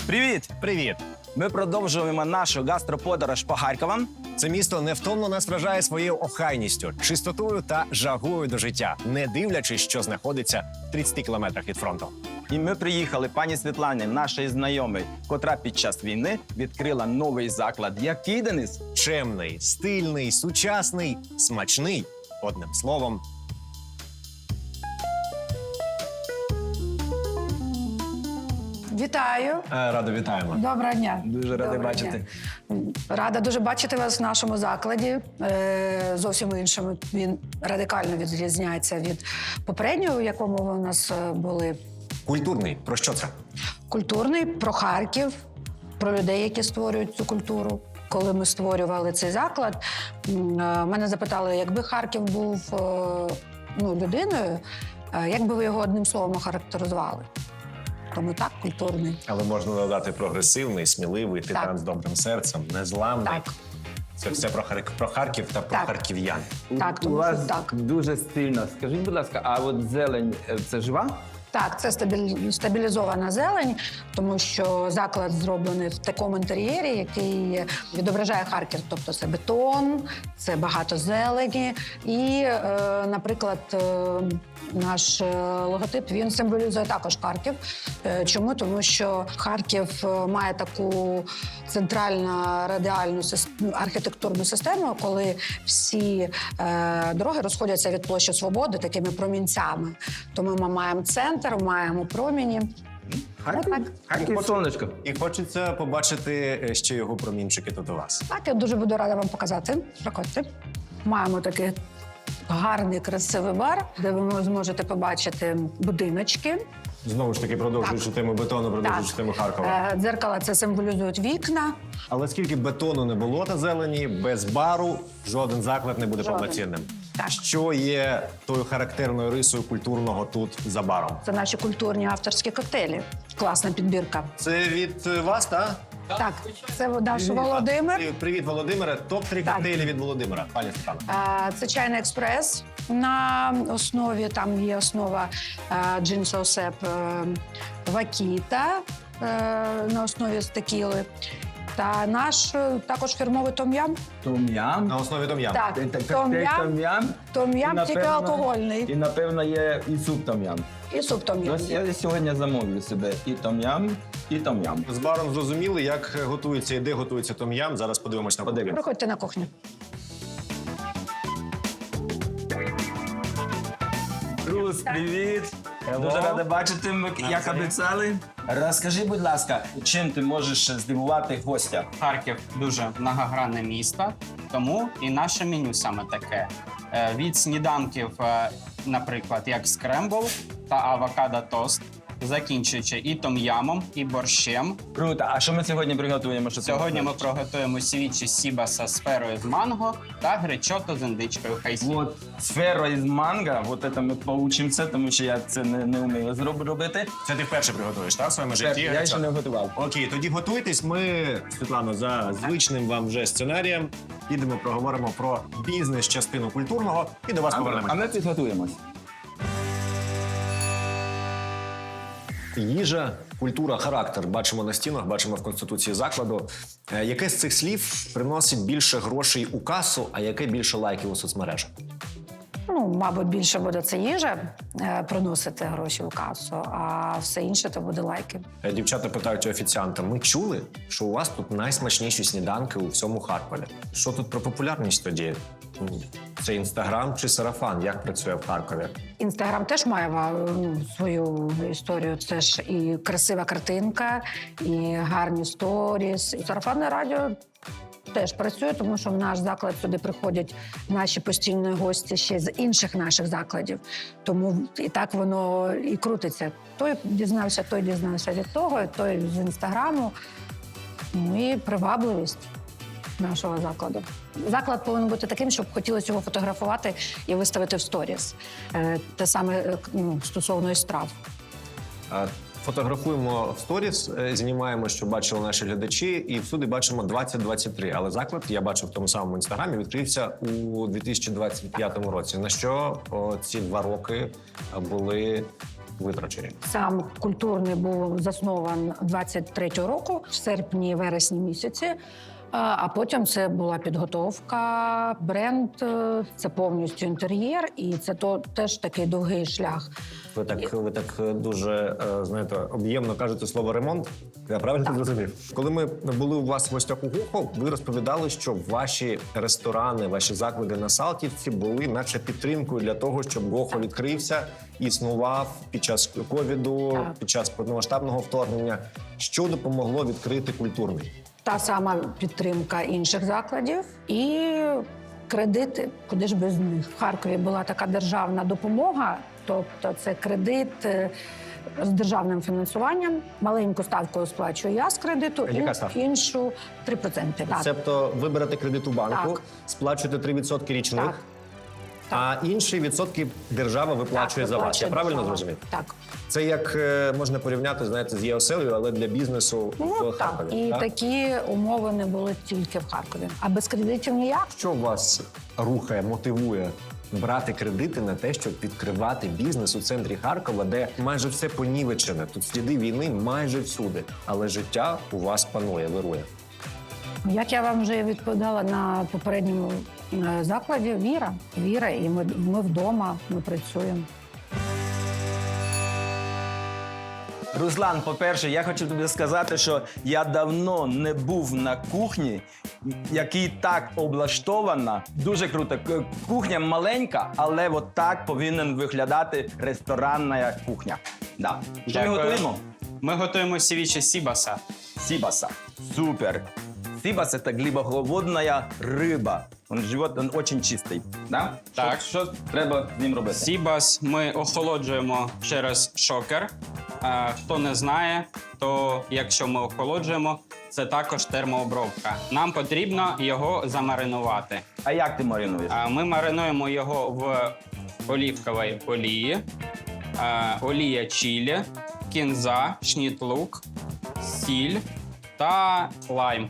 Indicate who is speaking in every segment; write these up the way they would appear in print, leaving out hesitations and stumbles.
Speaker 1: Привіт!
Speaker 2: Привіт!
Speaker 1: Ми продовжуємо нашу гастроподорож по Харковам.
Speaker 2: Це місто невтомно нас вражає своєю охайністю, чистотою та жагою до життя, не дивлячись, що знаходиться в 30 кілометрах від фронту.
Speaker 1: І ми приїхали пані Світлані, нашої знайомої, котра під час війни відкрила новий заклад. Який, Денис?
Speaker 2: Чемний, стильний, сучасний, смачний. Одним словом.
Speaker 3: Вітаю.
Speaker 2: Радо вітаємо.
Speaker 3: Доброго дня.
Speaker 1: Дуже радий
Speaker 3: Доброго
Speaker 1: бачити.
Speaker 3: дня. Рада дуже бачити вас в нашому закладі. Зовсім іншому. Він радикально відрізняється від попереднього, в якому ви у нас були.
Speaker 2: Культурний. Про що це?
Speaker 3: Культурний, про Харків, про людей, які створюють цю культуру. Коли ми створювали цей заклад, мене запитали, якби Харків був людиною, як би ви його одним словом охарактеризували? Тому так, культурний.
Speaker 2: Але можна додати прогресивний, сміливий, титан
Speaker 3: Так.
Speaker 2: з добрим серцем, незламний.
Speaker 3: Так.
Speaker 2: Це все про Харків та про
Speaker 3: Так.
Speaker 2: харків'ян.
Speaker 3: Так,
Speaker 4: У
Speaker 3: тому
Speaker 4: вас
Speaker 3: що так.
Speaker 4: дуже стильно. Скажіть, будь ласка, а от зелень це жива?
Speaker 3: Так, це стабілізована зелень, тому що заклад зроблений в такому інтер'єрі, який відображає Харків. Тобто це бетон, це багато зелені. І, наприклад, наш логотип, він символізує також Харків. Чому? Тому що Харків має таку центральну радіальну архітектурну систему, коли всі дороги розходяться від площі Свободи такими промінцями. Тому ми маємо центр, маємо проміні.
Speaker 4: Харків сонечко.
Speaker 2: І хочеться побачити ще його промінчики тут у вас.
Speaker 3: Так, я дуже буду рада вам показати. Проходьте. Маємо такий гарний, красивий бар, де ви зможете побачити будиночки.
Speaker 2: Знову ж таки, продовжуючи тему бетону, продовжуючи тему Харкова.
Speaker 3: Дзеркала це символізують вікна.
Speaker 2: Але скільки бетону не було та зелені, без бару жоден заклад не буде
Speaker 3: Жоден.
Speaker 2: повноцінним.
Speaker 3: Так.
Speaker 2: Що є тою характерною рисою культурного тут за баром?
Speaker 3: Це наші культурні авторські коктейлі. Класна підбірка.
Speaker 2: Це від вас, так?
Speaker 3: Так, це наш Володимир.
Speaker 2: Привіт, Володимире. Топ-3
Speaker 3: Так.
Speaker 2: коктейлі від Володимира. Пані Світлана.
Speaker 3: Це чайний експрес. На основі там є основа джин соусеп вакіта на основі стекіли. Та наш також фірмовий том-ям.
Speaker 4: Том-ям.
Speaker 2: На основі дом'ям.
Speaker 3: Так,
Speaker 4: Том-ям.
Speaker 3: том-ям
Speaker 4: І,
Speaker 3: тільки
Speaker 4: напевно,
Speaker 3: алкогольний.
Speaker 4: І, напевно, є і суп том-ям.
Speaker 3: І суп том-ям.
Speaker 4: Ось я сьогодні замовлю себе і том-ям, і том-ям.
Speaker 2: З баром зрозуміли, як готується і де готується том-ям. Зараз подивимось на кухню.
Speaker 3: Приходьте на кухню.
Speaker 1: Друз, привіт! Дуже радий бачити, як обіцяли. Розкажи, будь ласка, чим ти можеш здивувати гостя?
Speaker 5: Харків дуже многогранне місто, тому і наше меню саме таке. Від сніданків, наприклад, як скрембл та авокадо-тост, закінчуючи і том-ямом, і борщем.
Speaker 1: Круто. А що ми сьогодні приготуємо? Що ти
Speaker 5: Сьогодні ми
Speaker 1: розкажеш?
Speaker 5: приготуємо сівічі сібаса з ферою з манго та гречото з індичкою хайсі.
Speaker 1: От сфера із манго, от це ми поучимося, тому що я це не вмію робити.
Speaker 2: Це ти вперше приготуєш, так, в своєму житті?
Speaker 1: Я ще не готував.
Speaker 2: Окей, тоді готуйтесь. Ми, Світлано, за звичним вам вже сценарієм підемо, проговоримо про бізнес-частину культурного і до вас
Speaker 1: А
Speaker 2: повернемося.
Speaker 1: ми підготуємось.
Speaker 2: Їжа, культура, характер. Бачимо на стінах, бачимо в конституції закладу. Яке з цих слів приносить більше грошей у касу, а яке більше лайків у соцмережах?
Speaker 3: Мабуть, більше буде це їжа приносити гроші в касу, а все інше то буде лайки.
Speaker 2: Дівчата питають у офіціанта, ми чули, що у вас тут найсмачніші сніданки у всьому Харкові. Що тут про популярність тоді? Це Інстаграм чи сарафан? Як працює в Харкові?
Speaker 3: Інстаграм теж має свою історію. Це ж і красива картинка, і гарні сторіс. І сарафанне радіо теж працює, тому що в наш заклад сюди приходять наші постійні гості ще з інших наших закладів. Тому і так воно і крутиться. Той дізнався від того, той з Інстаграму. Ну і привабливість нашого закладу. Заклад повинен бути таким, щоб хотілося його фотографувати і виставити в сторіс. Те саме стосовно і страв.
Speaker 2: Фотографуємо в сторіс, знімаємо, що бачили наші глядачі, і всюди бачимо 2023. Але заклад, я бачив в тому самому інстаграмі, відкрився у 2025 році. На що ці 2 роки були витрачені?
Speaker 3: Сам культурний був заснован 23-го року, в серпні-вересні місяці. А потім це була підготовка, бренд, це повністю інтер'єр, і це теж такий довгий шлях.
Speaker 2: Ви так дуже, знаєте, об'ємно кажете слово «ремонт». Я правильно зрозумів? Коли ми були у вас в гостях у Гохо, ви розповідали, що ваші ресторани, ваші заклади на Салтівці були наче підтримкою для того, щоб Гохо відкрився, існував під час ковіду,
Speaker 3: Так.
Speaker 2: під час повномасштабного вторгнення. Що допомогло відкрити культурний?
Speaker 3: Та сама підтримка інших закладів і кредити, куди ж без них. В Харкові була така державна допомога, тобто це кредит з державним фінансуванням. Маленьку ставку сплачую я з кредиту,
Speaker 2: Яка ставка?
Speaker 3: іншу 3%. Так.
Speaker 2: Тобто ви берете кредит у банку,
Speaker 3: Так.
Speaker 2: сплачуєте 3% річних,
Speaker 3: Так.
Speaker 2: а інші відсотки держава виплачує за вас. Я
Speaker 3: виплачує
Speaker 2: правильно
Speaker 3: держава.
Speaker 2: зрозумів?
Speaker 3: Так.
Speaker 2: Це як можна порівняти, знаєте, з ЄОСЕЛю, але для бізнесу
Speaker 3: Ну,
Speaker 2: в
Speaker 3: так.
Speaker 2: Харкові.
Speaker 3: І
Speaker 2: так?
Speaker 3: такі умови не були тільки в Харкові. А без кредитів ніяк.
Speaker 2: Що вас рухає, мотивує брати кредити на те, щоб відкривати бізнес у центрі Харкова, де майже все понівечене, тут сліди війни майже всюди, але життя у вас панує, вирує.
Speaker 3: Як я вам вже відповідала на попередньому закладі, віра. Віра, і ми вдома, ми працюємо.
Speaker 1: Руслан, по-перше, я хочу тобі сказати, що я давно не був на кухні, який так облаштована. Дуже круто. Кухня маленька, але от так повинен виглядати ресторанна кухня. Да. Що ми
Speaker 5: Дякую.
Speaker 1: готуємо?
Speaker 5: Ми готуємо сівічі сібаса.
Speaker 1: Сибаса. Супер. Сибас – это глибоководная рыба. Живот он очень чистий. Да?
Speaker 5: Так.
Speaker 1: Що треба з ним робити?
Speaker 5: Сібас ми охолоджуємо через шокер. Хто не знає, то якщо ми охолоджуємо, це також термообробка. Нам потрібно його замаринувати.
Speaker 1: А як ти маринуєш?
Speaker 5: Ми маринуємо його в олівковій олії, олія чилі, кінза, шніт-лук, сіль та лайм.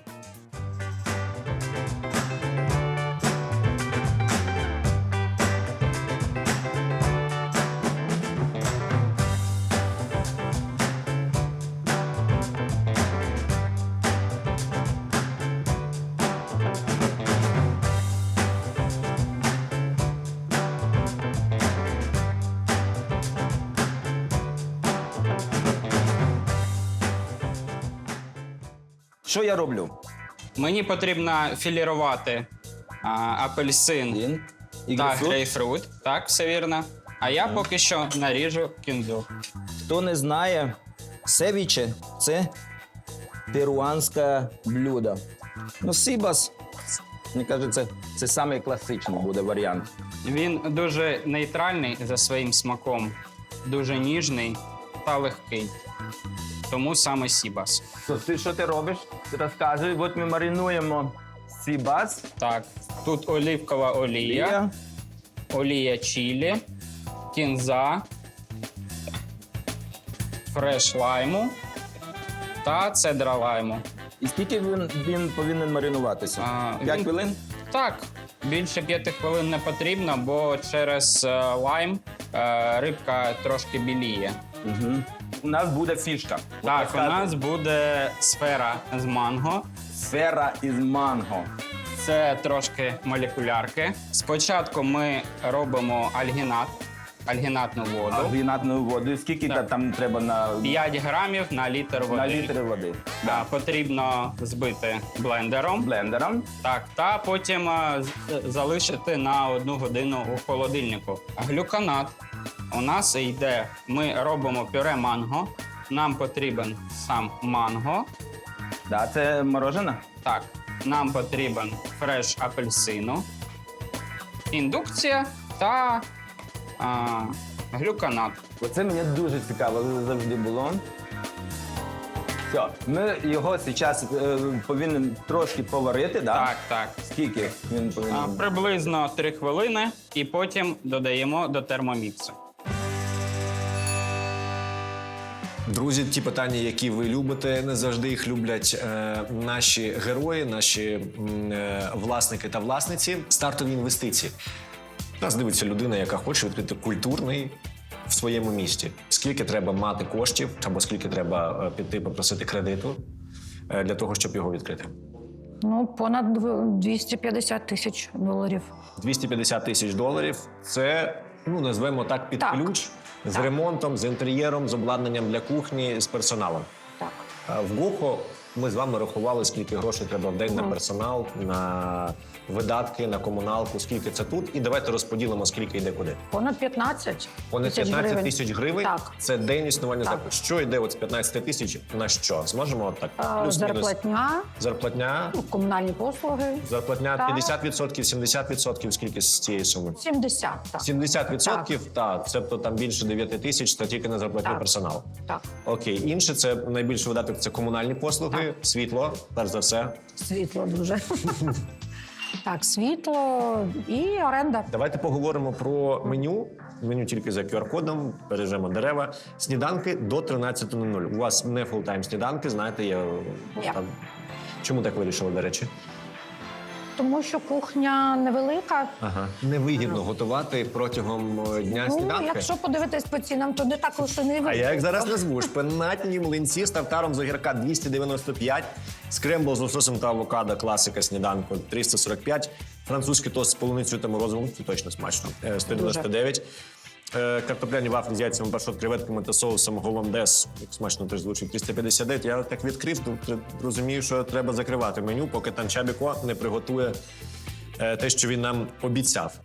Speaker 1: Що я роблю?
Speaker 5: Мені потрібно філірувати апельсин
Speaker 1: Він. І
Speaker 5: та
Speaker 1: грейпфрут.
Speaker 5: грейпфрут. Так, все вірно. А я поки що наріжу кінзу.
Speaker 1: Хто не знає, севіче – це перуанське блюдо. Ну, сибас, мені кажеться, це самий класичний буде варіант.
Speaker 5: Він дуже нейтральний за своїм смаком, дуже ніжний та легкий. Тому саме сібас.
Speaker 1: Що ти робиш? Ти розказуй. От ми маринуємо сибас.
Speaker 5: Так, тут олівкова олія, олія чилі, кінза, фреш лайму та цедра лайму.
Speaker 1: І скільки він повинен маринуватися? 5
Speaker 5: він-
Speaker 1: хвилин?
Speaker 5: Так, більше 5 хвилин не потрібно, бо через лайм рибка трошки біліє.
Speaker 1: Угу. У нас буде фішка.
Speaker 5: Так, у нас буде сфера з манго.
Speaker 1: сфера із манго.
Speaker 5: Це трошки молекулярки. Спочатку ми робимо альгінатну воду.
Speaker 1: Альгінатну воду. Скільки
Speaker 5: Так.
Speaker 1: там треба на
Speaker 5: 5 грамів на літр води.
Speaker 1: на літр води?
Speaker 5: Потрібно збити блендером.
Speaker 1: Блендером.
Speaker 5: Так, та потім залишити на 1 годину у холодильнику. Глюконат у нас йде. Ми робимо пюре манго. Нам потрібен сам манго.
Speaker 1: Да, це морожене?
Speaker 5: Так, нам потрібен фреш апельсину, індукція та глюконат.
Speaker 1: Оце мені дуже цікаво завжди було. Все, ми його зараз повинен трошки поварити, да?
Speaker 5: Так, так.
Speaker 1: Скільки він повинен?
Speaker 5: Приблизно 3 хвилини і потім додаємо до термоміксу.
Speaker 2: Друзі, ті питання, які ви любите, не завжди їх люблять наші герої, наші власники та власниці. Стартові інвестиції. Нас дивиться людина, яка хоче відкрити культурний в своєму місті. Скільки треба мати коштів, або скільки треба піти попросити кредиту для того, щоб його відкрити?
Speaker 3: Ну, понад 250 тисяч доларів.
Speaker 2: 250 тисяч доларів – це, ну, назвемо так, під
Speaker 3: Так.
Speaker 2: ключ, з
Speaker 3: Так.
Speaker 2: ремонтом, з інтер'єром, з обладнанням для кухні, з персоналом.
Speaker 3: Так.
Speaker 2: В Гохо ми з вами рахували, скільки грошей треба в день на персонал, на видатки, на комуналку, скільки це тут. І давайте розподілимо, скільки йде куди.
Speaker 3: Понад 15
Speaker 2: Понад 15 тисяч гривень
Speaker 3: Так.
Speaker 2: – це день існування
Speaker 3: Так.
Speaker 2: закладу. Що йде от з 15 тисяч на що? Зможемо от так? Плюс-мінус.
Speaker 3: Зарплатня,
Speaker 2: Зарплатня,
Speaker 3: комунальні послуги.
Speaker 2: зарплатня
Speaker 3: Так.
Speaker 2: 50%, 70%, скільки з цієї суми?
Speaker 3: 70, так.
Speaker 2: 70%, так, це там більше 9 тисяч, це тільки на зарплатню
Speaker 3: Так.
Speaker 2: персоналу.
Speaker 3: Так.
Speaker 2: Окей, інше це найбільший видаток, це комунальні послуги, світло, перш за все.
Speaker 3: Світло дуже. Так, світло і оренда.
Speaker 2: Давайте поговоримо про меню. Меню тільки за QR-кодом, бережемо дерева. Сніданки до 13:00. У вас не фултайм сніданки, знаєте, є.
Speaker 3: Ні.
Speaker 2: Там. Чому так вирішили, до речі?
Speaker 3: Тому що кухня невелика.
Speaker 2: Ага. Невигідно готувати протягом дня
Speaker 3: Ну,
Speaker 2: сніданки.
Speaker 3: якщо подивитись по цінам, то не так уж і не
Speaker 2: А
Speaker 3: вигідно.
Speaker 2: я як зараз назву шпинатні млинці з тартаром з огірка 295, скрембл з лососем та авокадо, класика сніданку 345, французький тост з полуницею та морозивом, це точно смачно, 199. Картопляні вафлі з яйцями, пашот, креветками та соусом голландез, як смачно теж звучить, 359. Я так відкрив, то розумію, що треба закривати меню, поки Танчабіко не приготує те, що він нам обіцяв.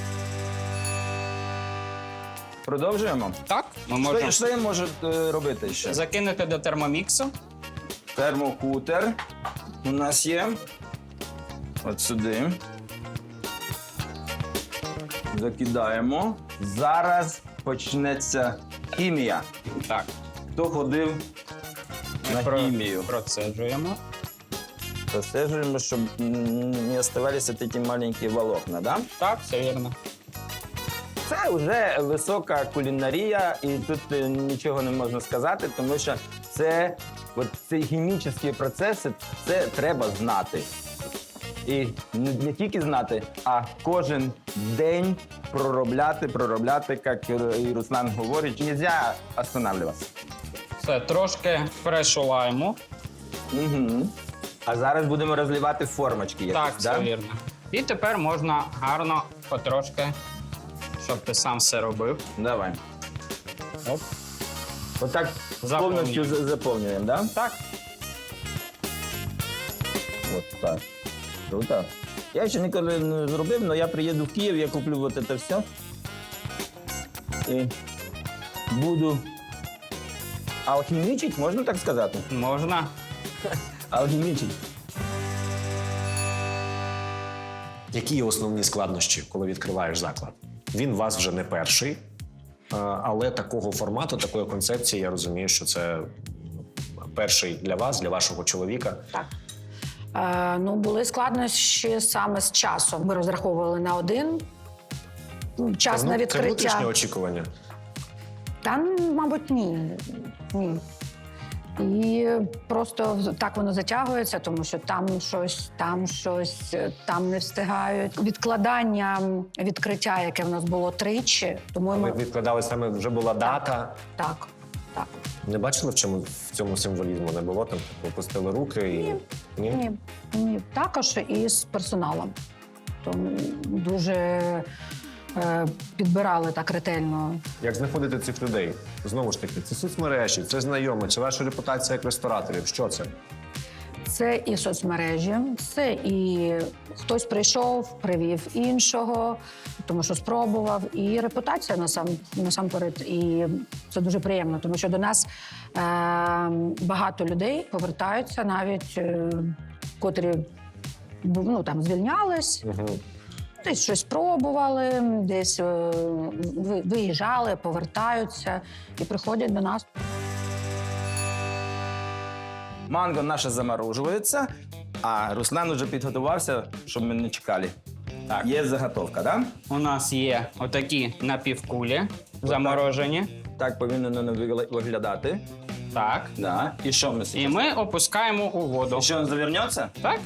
Speaker 1: Продовжуємо.
Speaker 5: Так, ми можемо
Speaker 1: Що я можу робити ще?
Speaker 5: закинути до термоміксу.
Speaker 1: Термокутер у нас є. От сюди. Закидаємо. Зараз почнеться хімія.
Speaker 5: Так,
Speaker 1: Хто ходив на хімію?
Speaker 5: процеджуємо.
Speaker 1: Прослежуємо, щоб не оставалися такі маленькі волокна, да?
Speaker 5: Так, все вірно.
Speaker 1: Це вже висока кулінарія, і тут нічого не можна сказати, тому що це ці хімічні процеси, це треба знати. І не тільки знати, а кожен день проробляти, як і Руслан говорить, не можна останавливатися.
Speaker 5: Все, трошки перешиваємо.
Speaker 1: Угу. А зараз будемо розливати в формочки.
Speaker 5: Так,
Speaker 1: якісь,
Speaker 5: все вірно. І тепер можна гарно потрошки, щоб ти сам все робив.
Speaker 1: Давай.
Speaker 5: Оп.
Speaker 1: Отак
Speaker 5: Заповнюємо.
Speaker 1: повністю заповнюємо, да?
Speaker 5: Так,
Speaker 1: От так. Круто. Я ще ніколи не зробив, але я приїду в Київ, я куплю от це все. І буду алхімічить, можна так сказати?
Speaker 5: можна.
Speaker 1: Алхімічить.
Speaker 2: Які є основні складнощі, коли відкриваєш заклад? Він у вас вже не перший, але такого формату, такої концепції, я розумію, що це перший для вас, для вашого чоловіка.
Speaker 3: Так. Ну, були складнощі саме з часом. Ми розраховували на один час на
Speaker 2: Це
Speaker 3: відкриття.
Speaker 2: внутрішнє очікування.
Speaker 3: Та, мабуть, ні. Ні. І просто так воно затягується, тому що там щось, там не встигають. Відкладання відкриття, яке в нас було тричі, тому
Speaker 2: Ви
Speaker 3: ми...
Speaker 2: відкладали саме, вже була дата.
Speaker 3: Так, так.
Speaker 2: Не бачили, в цьому символізму не було? Там опустили руки і... Ні?
Speaker 3: Ні. Також і з персоналом. Тому дуже підбирали так ретельно.
Speaker 2: Як знаходити цих людей? Знову ж таки, це соцмережі, це знайомі, це ваша репутація як рестораторів. Що це?
Speaker 3: Це і соцмережі, це і хтось прийшов, привів іншого, тому що спробував, і репутація насамперед. І це дуже приємно, тому що до нас багато людей повертаються, навіть котрі там звільнялись.
Speaker 2: Угу.
Speaker 3: Десь щось пробували, десь виїжджали, повертаються і приходять до нас.
Speaker 1: Манго наше заморожується, а Руслан вже підготувався, щоб ми не чекали.
Speaker 5: Так.
Speaker 1: Є заготовка, так? Да?
Speaker 5: У нас є отакі напівкулі заморожені.
Speaker 1: Так повинно воно виглядати.
Speaker 5: Так.
Speaker 1: Да. І що ми
Speaker 5: І
Speaker 1: зараз?
Speaker 5: ми опускаємо у воду.
Speaker 1: І що він завернеться?
Speaker 5: Так?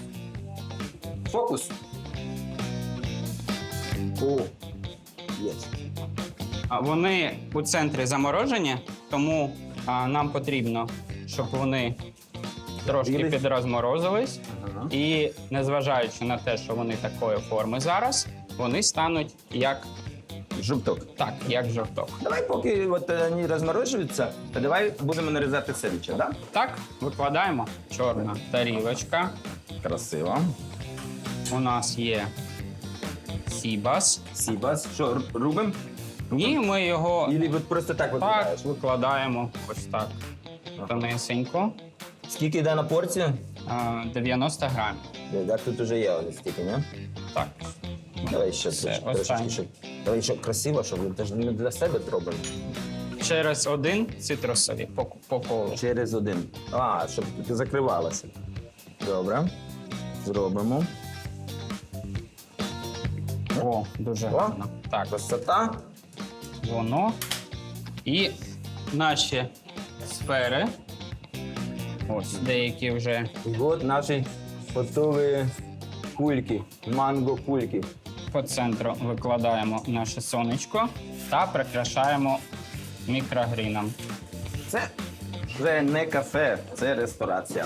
Speaker 1: Фокус. О, є.
Speaker 5: Вони у центрі заморожені, тому нам потрібно, щоб вони трошки
Speaker 1: Білі?
Speaker 5: підрозморозились. І незважаючи на те, що вони такої форми зараз, вони стануть як жовток.
Speaker 1: Давай, поки от вони розморожуються, то давай будемо нарізати севіче, да?
Speaker 5: Так, викладаємо. Чорна тарілочка.
Speaker 1: Красиво.
Speaker 5: У нас є сібас.
Speaker 1: Сібас. Що, рубимо?
Speaker 5: І ми його
Speaker 1: Ілі от просто так викладаєш?
Speaker 5: так викладаємо ось так. Тонесенько.
Speaker 1: Скільки йде на порцію?
Speaker 5: 90 грамів.
Speaker 1: Так, тут уже є ось стільки, не?
Speaker 5: Так.
Speaker 1: Давай ще
Speaker 5: Все,
Speaker 1: трошечки,
Speaker 5: останнє.
Speaker 1: щоб... Давай, щоб красиво, щоб ми ж не для себе робимо.
Speaker 5: Через один цитрусові по колу.
Speaker 1: Через один. Щоб закривалося. Добре. Зробимо.
Speaker 5: О, дуже гарно. Так,
Speaker 1: Красота.
Speaker 5: воно. І наші сфери. Ось деякі вже
Speaker 1: І от наші готові кульки, манго-кульки.
Speaker 5: по центру викладаємо наше сонечко та прикрашаємо мікрогріном.
Speaker 1: Це вже не кафе, це ресторація.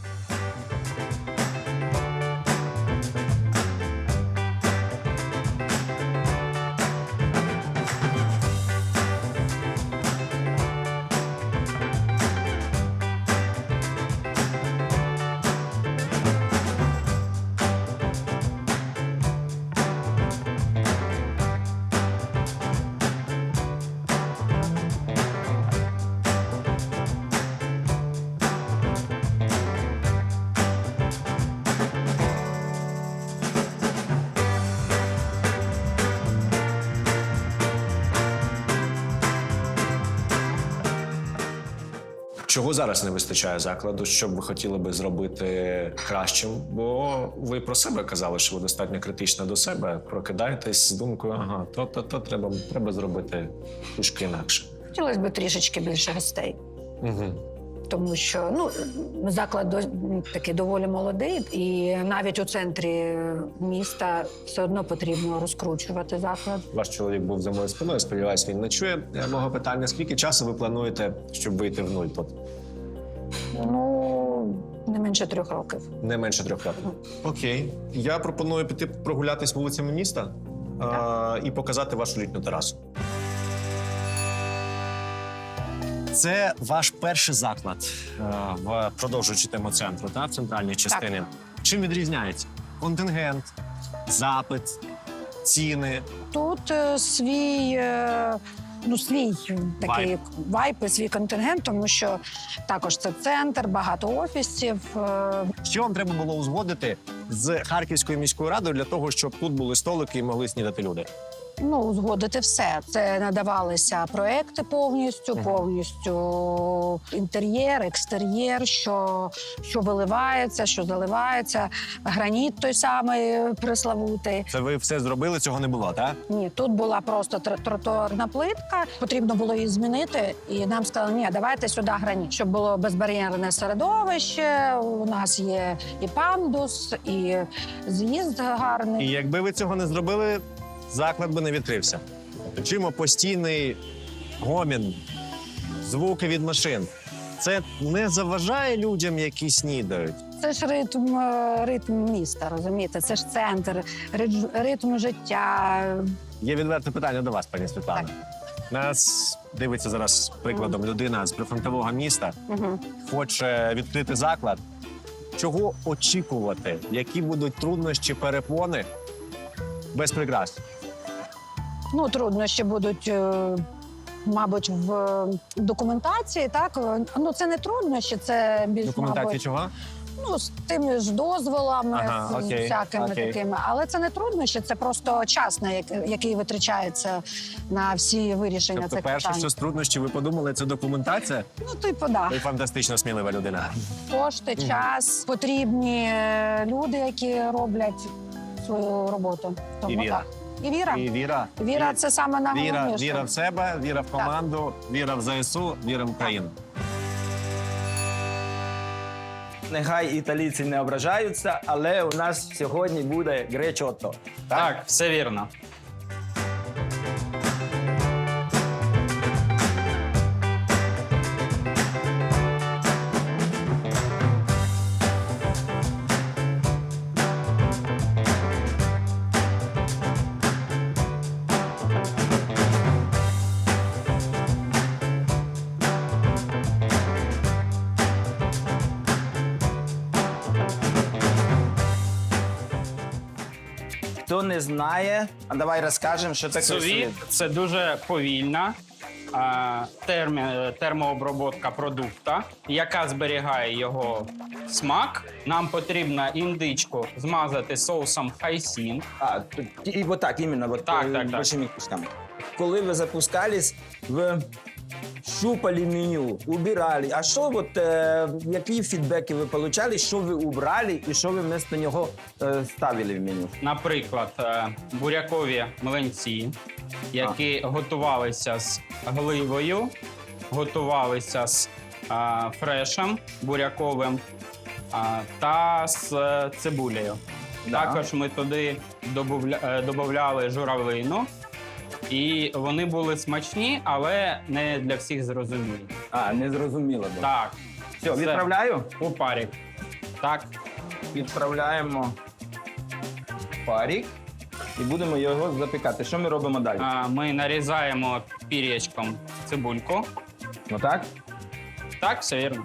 Speaker 2: Чого зараз не вистачає закладу? Що б ви хотіли би зробити кращим? Бо ви про себе казали, що ви достатньо критично до себе прокидаєтесь з думкою, ага, то треба зробити трішки інакше.
Speaker 3: Хотілося б трішечки більше гостей.
Speaker 2: Угу.
Speaker 3: Тому що заклад такий доволі молодий, і навіть у центрі міста все одно потрібно розкручувати заклад.
Speaker 2: Ваш чоловік був за моєю спиною, сподіваюся, він не чує мого питання. Скільки часу ви плануєте, щоб вийти в нуль тут?
Speaker 3: Не менше 3 років.
Speaker 2: Не менше 3 років. Окей. Я пропоную піти прогулятись вулицями міста і показати вашу літню терасу. Це ваш перший заклад, продовжуючи тему центру, в центральній частині. Чим відрізняється? Контингент, запит, ціни.
Speaker 3: Тут свій такий вайб і свій контингент, тому що також це центр, багато офісів.
Speaker 2: Що вам треба було узгодити з Харківською міською радою для того, щоб тут були столики і могли снідати люди?
Speaker 3: Узгодити все. Це надавалися проекти повністю інтер'єр, екстер'єр, що виливається, що заливається, граніт той самий преславутий.
Speaker 2: Це ви все зробили, цього не було, так?
Speaker 3: Ні, тут була просто тротуарна плитка, потрібно було її змінити, і нам сказали, ні, давайте сюди граніт, щоб було безбар'єрне середовище, у нас є і пандус, і з'їзд гарний.
Speaker 2: І якби ви цього не зробили, заклад би не відкрився. Чимо постійний гомін, звуки від машин. Це не заважає людям, які снідають?
Speaker 3: Це ж ритм міста, розумієте? Це ж центр, ритм життя.
Speaker 2: Є відверте питання до вас, пані Світлана. Нас дивиться зараз прикладом людина з прифронтового міста, хоче відкрити заклад. Чого очікувати? Які будуть труднощі, перепони без прикрас?
Speaker 3: Труднощі будуть, мабуть, в документації, так? Це не труднощі, це більш,
Speaker 2: Документації
Speaker 3: мабуть,
Speaker 2: чого?
Speaker 3: з тими ж дозволами,
Speaker 2: Ага,
Speaker 3: з
Speaker 2: окей,
Speaker 3: всякими
Speaker 2: окей.
Speaker 3: такими. Але це не труднощі, це просто час, який витрачається на всі вирішення
Speaker 2: Тобто
Speaker 3: цих
Speaker 2: перше,
Speaker 3: питань.
Speaker 2: що з труднощів ви подумали, це документація?
Speaker 3: Да.
Speaker 2: Ви фантастично смілива людина.
Speaker 3: Кошти, час, потрібні люди, які роблять свою роботу.
Speaker 2: І віра.
Speaker 3: Так. І віра.
Speaker 2: І віра.
Speaker 3: Віра – це саме найголовніше.
Speaker 2: Віра в себе, віра в команду, віра в ЗСУ, віра в Україну.
Speaker 1: Нехай італійці не ображаються, але у нас сьогодні буде гречотто.
Speaker 5: Так, все вірно.
Speaker 1: не знає, а давай розкажемо, що таке
Speaker 5: Сувіт
Speaker 1: сувіт.
Speaker 5: – це дуже повільна термообробка продукта, яка зберігає його смак. Нам потрібно індичку змазати соусом хайсін.
Speaker 1: А, і отак, іменно, от,
Speaker 5: Так, так.
Speaker 1: большими кусками. Коли ви запускались, ви щупали меню, убирали. А що, от, які фідбеки ви отримали, що ви убрали і що ви вместо нього ставили в меню?
Speaker 5: Наприклад, бурякові млинці, які готувалися з гливою, готувалися з фрешем буряковим та з цибулею.
Speaker 1: Да.
Speaker 5: Також ми туди додавали журавлину, і вони були смачні, але не для всіх зрозумілі.
Speaker 1: А, не зрозуміло. Да.
Speaker 5: Так,
Speaker 1: Все, відправляю?
Speaker 5: у парі. Так,
Speaker 1: Відправляємо парік і будемо його запікати. Що ми робимо далі?
Speaker 5: ми нарізаємо пір'ячком цибульку.
Speaker 1: Отак?
Speaker 5: Так, все вірно.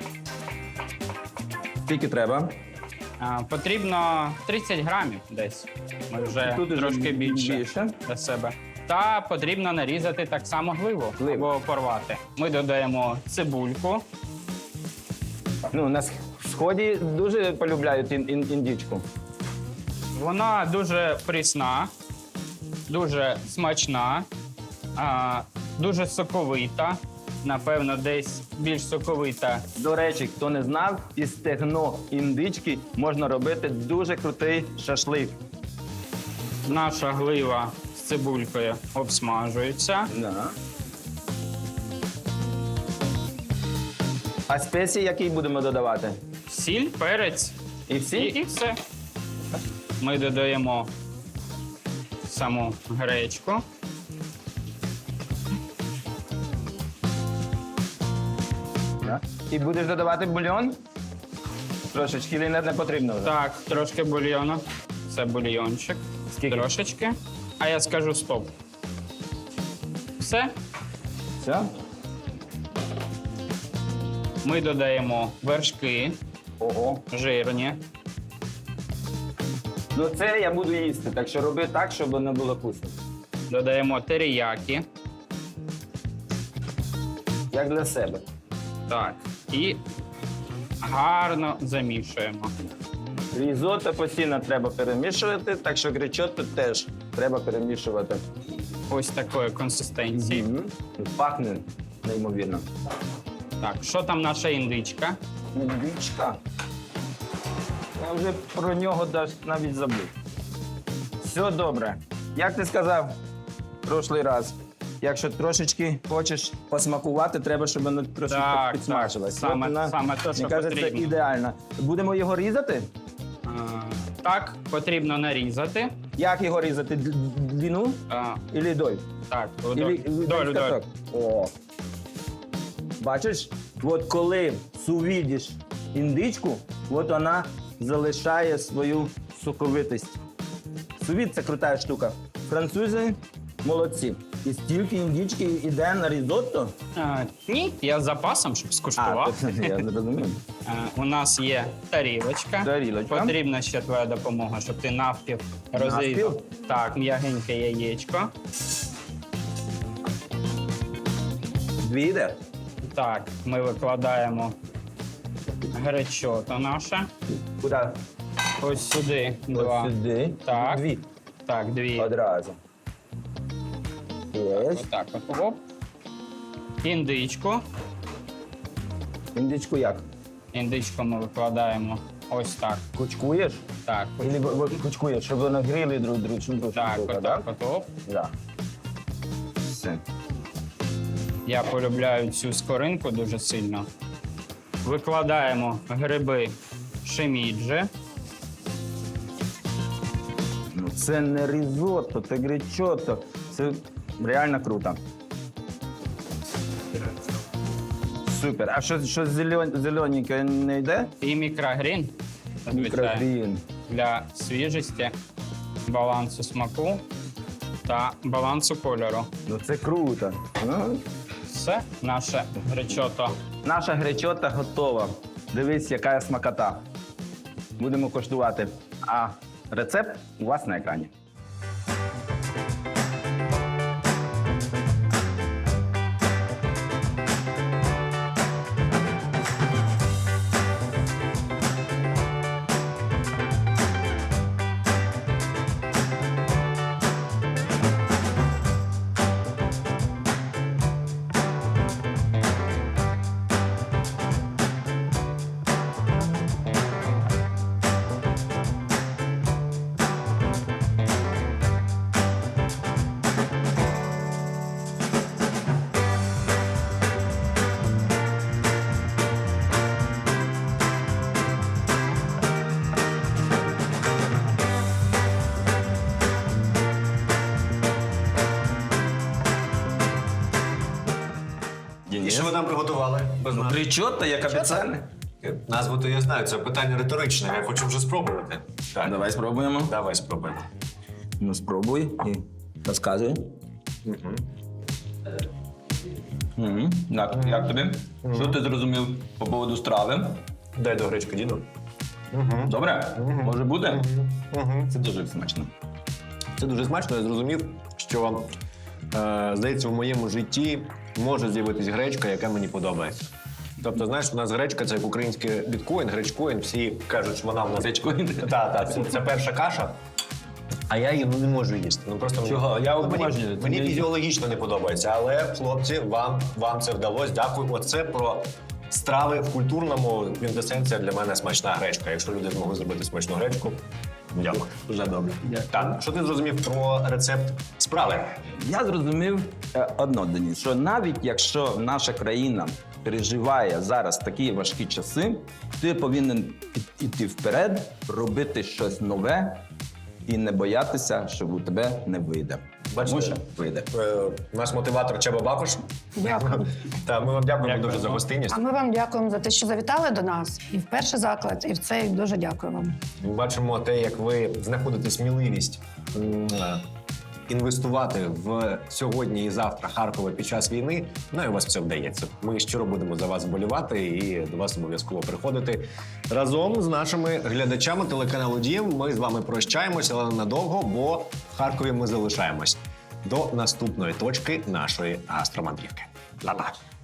Speaker 1: Скільки треба?
Speaker 5: Потрібно 30 грамів десь. Ми вже
Speaker 1: Тут уже
Speaker 5: трошки більше
Speaker 1: більше.
Speaker 5: для себе. Та потрібно нарізати так само гливу або порвати. Ми додаємо цибульку.
Speaker 1: Ну, на сході дуже полюбляють індичку.
Speaker 5: Вона дуже прісна, дуже смачна, дуже соковита. Напевно, десь більш соковита.
Speaker 1: До речі, хто не знав, із стегно індички можна робити дуже крутий шашлик.
Speaker 5: Наша глива з цибулькою обсмажується.
Speaker 1: Да. А спеції які будемо додавати?
Speaker 5: Сіль, перець
Speaker 1: І всі?
Speaker 5: і все. Ми додаємо саму гречку.
Speaker 1: Да. І будеш додавати бульйон? Трошечки не потрібно вже?
Speaker 5: Так, трошки бульйону. Це бульйончик.
Speaker 1: Скільки?
Speaker 5: Трошечки. А я скажу стоп. Все.
Speaker 1: Все?
Speaker 5: Ми додаємо вершки
Speaker 1: Ого.
Speaker 5: жирні.
Speaker 1: Ну це я буду їсти, так що роби так, щоб не було вкусно.
Speaker 5: Додаємо теріякі.
Speaker 1: Як для себе.
Speaker 5: Так. І гарно замішуємо.
Speaker 1: Різотто постійно треба перемішувати, так що гречотто теж треба перемішувати.
Speaker 5: Ось такої консистенції.
Speaker 1: Пахне неймовірно.
Speaker 5: Так, що там наша індичка?
Speaker 1: Індичка. Я вже про нього навіть забув. Все добре. Як ти сказав прошлий раз, якщо трошечки хочеш посмакувати, треба, щоб воно трошки
Speaker 5: Так,
Speaker 1: підсмажилось.
Speaker 5: так. Саме-
Speaker 1: От вона,
Speaker 5: саме те, що
Speaker 1: мені кажеться,
Speaker 5: потрібно.
Speaker 1: ідеально. Будемо його різати?
Speaker 5: Так, потрібно нарізати.
Speaker 1: Як його різати? Длину или доль?
Speaker 5: Так,
Speaker 1: Или
Speaker 5: долю.
Speaker 1: каток? О. Бачиш, от коли сувідиш індичку, от вона залишає свою соковитість. Сувід – це крута штука. Французи молодці. І стільки індички йде на різотто.
Speaker 5: Ні, я з запасом, щоб скуштував.
Speaker 1: Я зрозумів.
Speaker 5: У нас є тарілочка.
Speaker 1: Тарілочка.
Speaker 5: Потрібна ще твоя допомога, щоб ти навпів розрізав. Так, м'ягеньке яєчко.
Speaker 1: Дві йде?
Speaker 5: Так, ми викладаємо гречото наше.
Speaker 1: Куди?
Speaker 5: Ось сюди два.
Speaker 1: Ось сюди.
Speaker 5: Так.
Speaker 1: Дві.
Speaker 5: Так, дві.
Speaker 1: Одразу. Є.
Speaker 5: Отак от. Оп. Індичку.
Speaker 1: Індичку як?
Speaker 5: Індичку ми викладаємо ось так.
Speaker 1: Кучкуєш?
Speaker 5: Так,
Speaker 1: Или кучкуєш, щоб вони гріли друг друга?
Speaker 5: так, отак от. Оп.
Speaker 1: Да. Все.
Speaker 5: Я полюбляю цю скоринку дуже сильно. Викладаємо гриби шиміджі.
Speaker 1: Ну, це не різотто, це гречотто. Це реально круто. Супер. А що зелененьке не йде?
Speaker 5: І мікрогрін. Звичайно,
Speaker 1: Мікрогрін.
Speaker 5: для свіжості, балансу смаку та балансу кольору.
Speaker 1: Ну це круто. Ну,
Speaker 5: Все, наше гречото.
Speaker 1: наша гречотта готова. Дивись, яка смакота. Будемо коштувати. А рецепт у вас на екрані.
Speaker 2: І що ви нам приготували? Без нас?
Speaker 1: Річотто, як обіцяли.
Speaker 2: Назву то я знаю, це питання риторичне, я хочу вже спробувати. Так,
Speaker 1: Давай спробуємо.
Speaker 2: давай спробуємо.
Speaker 1: Ну, спробуй і розказуй.
Speaker 4: Як тобі? Що ти зрозумів по поводу страви?
Speaker 2: Дай до гречки, діду.
Speaker 4: Добре? Може бути? Це дуже смачно.
Speaker 2: Це дуже смачно, я зрозумів, що, здається, в моєму житті може з'явитись гречка, яка мені подобається. Тобто, знаєш, у нас гречка це як український біткоін, гречкоін, всі кажуть, що вона в нас...
Speaker 4: Гречкоін?
Speaker 2: Так, це перша каша. А я її не можу їсти. Ну просто
Speaker 4: Чого? Я
Speaker 2: мені,
Speaker 4: обожнюю.
Speaker 2: мені фізіологічно не подобається. Але, хлопці, вам це вдалося. Дякую. Оце про страви в культурному квінтесенція для мене смачна гречка. Якщо люди змогли зробити смачну гречку, дякую.
Speaker 4: Дуже добре.
Speaker 2: Так, що ти зрозумів про рецепт справи?
Speaker 1: Я зрозумів одно, Деніс, що навіть якщо наша країна переживає зараз такі важкі часи, ти повинен іти вперед, робити щось нове і не боятися, що у тебе не вийде. Тому що вийде.
Speaker 2: Наш мотиватор Чаба Бакош.
Speaker 3: Дякую.
Speaker 2: Так, ми вам дякуємо дуже за гостинність.
Speaker 3: А ми вам дякуємо за те, що завітали до нас. І в перший заклад, і в цей дуже дякую вам.
Speaker 2: Ми бачимо те, як ви знаходите сміливість інвестувати в сьогодні і завтра Харкова під час війни. Ну і у вас все вдається. Ми щиро будемо за вас вболівати і до вас обов'язково приходити. Разом з нашими глядачами телеканалу Дім ми з вами прощаємося, але ненадовго, бо в Харкові ми залишаємось. До наступної точки нашої гастромандрівки. Па-па!